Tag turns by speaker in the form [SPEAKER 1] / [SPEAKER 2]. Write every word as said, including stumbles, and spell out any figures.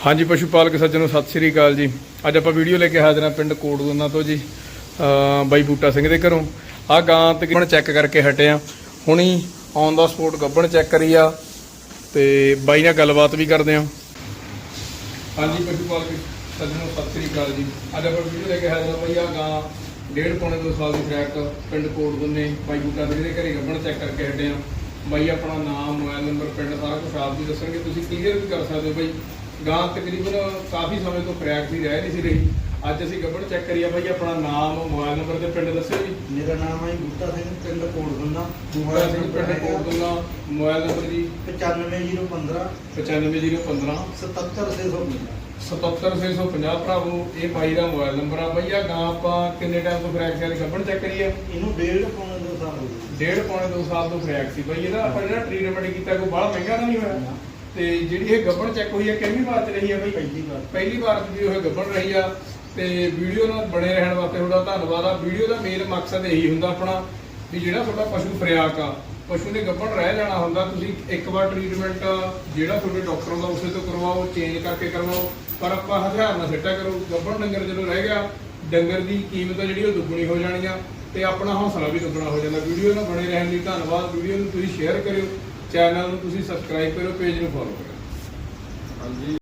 [SPEAKER 1] हाँ जी पशु पालक सज्जनों सत श्री अकाल जी। अज आप वीडियो लेके हाजिर हाँ पिंड कोटदुना तो जी बाई बूटा सिंह के घरों आ गां तकरीबन चैक करके हटे आ हुणी ऑन द स्पॉट गब्बन चैक करी आ ते बाई नाल गलबात भी करते हैं। हाँ जी पशु पालक सज्जनों सत श्री अकाल जी। अज आप वीडियो लेके हाजिर भाई आ गां डेढ़ पौने दो साल की फ्रैक पिंड कोटदुने बाई बूटा सिंह के घरे गब्बन चैक करके हटे आ। बाई अपना नाम मोबाइल नंबर पिंड सारा कुछ आप भी दसणगे, तुसीं क्लीयर भी कर सकते हो। बई गां तकरीबन काफ़ी समय तो फ्रैक सी रह नहीं सी रही, अज असीं गब्बन चैक करिए। भाई अपना नाम मोबाइल नंबर ते पिंड दस्सिओ जी।
[SPEAKER 2] मेरा नाम है बूटा सिंह पिंड कोटदुना।
[SPEAKER 1] बूटा सिंह पिंड कोटदुना। मोबाइल नंबर जी
[SPEAKER 2] पचानवे जीरो पंद्रह
[SPEAKER 1] पचानवे जीरो पंद्रह
[SPEAKER 2] सतहत्तर छे सौ पंजाह
[SPEAKER 1] सतहत्तर छे सौ पंजाह भरावो ये बाई का मोबाइल नंबर आ। भैया गां आपां किन्ने टाइम तो फ्रैक सी गब्बन चैक करिए।
[SPEAKER 2] इनू डेढ़ पौने दो साल हो गए।
[SPEAKER 1] डेढ़ पौने दो साल तो फ्रैक सी। भाई ਇਹਦਾ ਆਪਾਂ ਜਿਹੜਾ ਟ੍ਰੀਟਮੈਂਟ ਕੀਤਾ ਕੋਈ ਬੜਾ ਮਹਿੰਗਾ ਤਾਂ ਨਹੀਂ ਹੋਇਆ। ਤੇ ਜਿਹੜੀ ਇਹ ਗੱਬਣ ਚੈੱਕ ਹੋਈ ਹੈ ਕਿੰਨੀ ਵਾਰ ਚ ਰਹੀ ਹੈ ਬਈ?
[SPEAKER 2] ਪਹਿਲੀ ਵਾਰ
[SPEAKER 1] ਪਹਿਲੀ ਵਾਰ ਚ ਵੀ ਉਹ ਗੱਬਣ ਰਹੀ ਆ। ਤੇ ਵੀਡੀਓ ਨਾਲ ਬਣੇ ਰਹਿਣ ਵਾਸਤੇ ਤੁਹਾਡਾ ਧੰਨਵਾਦ ਆ। ਵੀਡੀਓ ਦਾ ਮੇਨ ਮਕਸਦ ਇਹੀ ਹੁੰਦਾ ਆਪਣਾ ਵੀ ਜਿਹੜਾ ਤੁਹਾਡਾ ਪਸ਼ੂ ਫਰਿਆਕ ਆ, ਪਸ਼ੂ ਦੇ ਗੱਬਣ ਰਹਿ ਜਾਣਾ ਹੁੰਦਾ, ਤੁਸੀਂ ਇੱਕ ਵਾਰ ਟ੍ਰੀਟਮੈਂਟ ਜਿਹੜਾ ਤੁਹਾਡੇ ਡਾਕਟਰ ਦਾ ਉਸੇ ਤੋਂ ਕਰਵਾਓ, ਚੇਂਜ ਕਰਕੇ ਕਰਵਾਓ, ਪਰ ਆਪਾਂ ਹਥਿਆਰ ਨਾਲ ਸਿੱਟਿਆ ਕਰੋ। ਗੱਬਣ ਡੰਗਰ ਜਦੋਂ ਰਹਿ ਗਿਆ, ਡੰਗਰ ਦੀ ਕੀਮਤ ਜਿਹੜੀ ਉਹ ਦੁੱਗਣੀ ਹੋ ਜਾਣੀ ਆ ਤੇ ਆਪਣਾ ਹੌਸਲਾ ਵੀ ਦੁੱਗਣਾ ਹੋ ਜਾਂਦਾ। ਵੀਡੀਓ ਨਾਲ ਬਣੇ ਰਹਿਣ ਲਈ ਧੰਨਵਾਦ। ਵੀਡੀਓ ਨੂੰ ਤੁਸੀਂ ਸ਼ੇਅਰ ਕਰਿਓ, ਚੈਨਲ ਨੂੰ ਤੁਸੀਂ ਸਬਸਕ੍ਰਾਈਬ ਕਰਿਓ, ਪੇਜ ਨੂੰ ਫੋਲੋ ਕਰਿਓ। ਹਾਂਜੀ।